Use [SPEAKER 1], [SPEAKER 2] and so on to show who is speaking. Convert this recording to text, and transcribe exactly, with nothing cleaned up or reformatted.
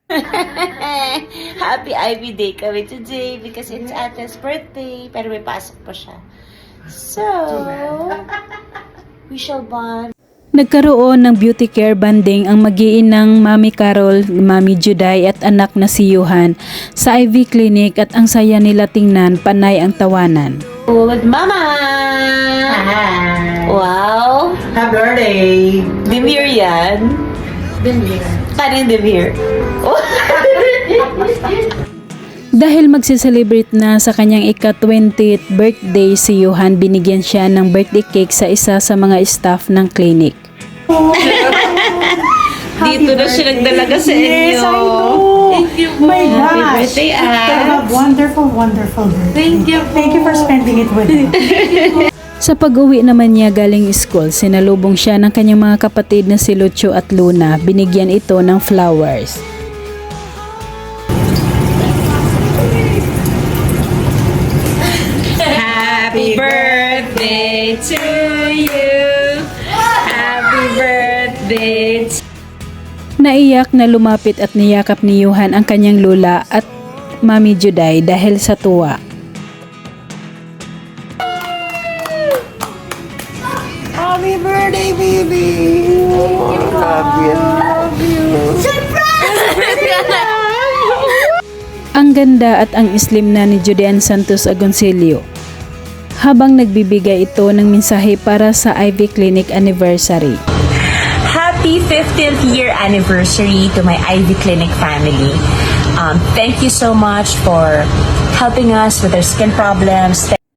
[SPEAKER 1] Happy Ivy Day kami today because it's Ate's birthday. Pero may pasok pa siya. So, we shall bond.
[SPEAKER 2] Nagkaroon ng beauty care banding ang mag-iinang Mami Carol, Mami Juday at anak na si Johan sa Ivy Clinic at ang saya nila tingnan, panay ang tawanan.
[SPEAKER 1] With Mama!
[SPEAKER 3] Hi!
[SPEAKER 1] Wow!
[SPEAKER 3] Happy birthday!
[SPEAKER 1] Demir yan.
[SPEAKER 3] Demir.
[SPEAKER 1] Kanang Demir. Oh.
[SPEAKER 2] Dahil magse-celebrate na sa kanyang ika-twentieth birthday si Johan, binigyan siya ng birthday cake sa isa sa mga staff ng clinic.
[SPEAKER 1] Dito na siya nagdalaga sa inyo.
[SPEAKER 4] Yes, I know.
[SPEAKER 1] Thank you po.
[SPEAKER 4] My
[SPEAKER 1] Happy
[SPEAKER 4] gosh.
[SPEAKER 1] birthday,
[SPEAKER 4] Have a
[SPEAKER 1] Abs.
[SPEAKER 4] wonderful, wonderful birthday.
[SPEAKER 1] Thank you po.
[SPEAKER 4] Thank you for spending it with me.
[SPEAKER 2] Sa pag-uwi naman niya galing school, sinalubong siya ng kanyang mga kapatid na si Lucho at Luna. Binigyan ito ng flowers.
[SPEAKER 1] Happy birthday to you. Happy birthday to
[SPEAKER 2] Naiyak na lumapit at niyakap ni Johan ang kanyang lola at Mami Juday dahil sa tuwa.
[SPEAKER 4] Happy birthday, baby!
[SPEAKER 2] Ang ganda at ang slim na ni Judean Santos Agoncillo habang nagbibigay ito ng mensahe para sa Ivy Clinic anniversary.
[SPEAKER 5] Happy fifteenth year anniversary to my Ivy Clinic family. Um, thank you so much for helping us with our skin problems.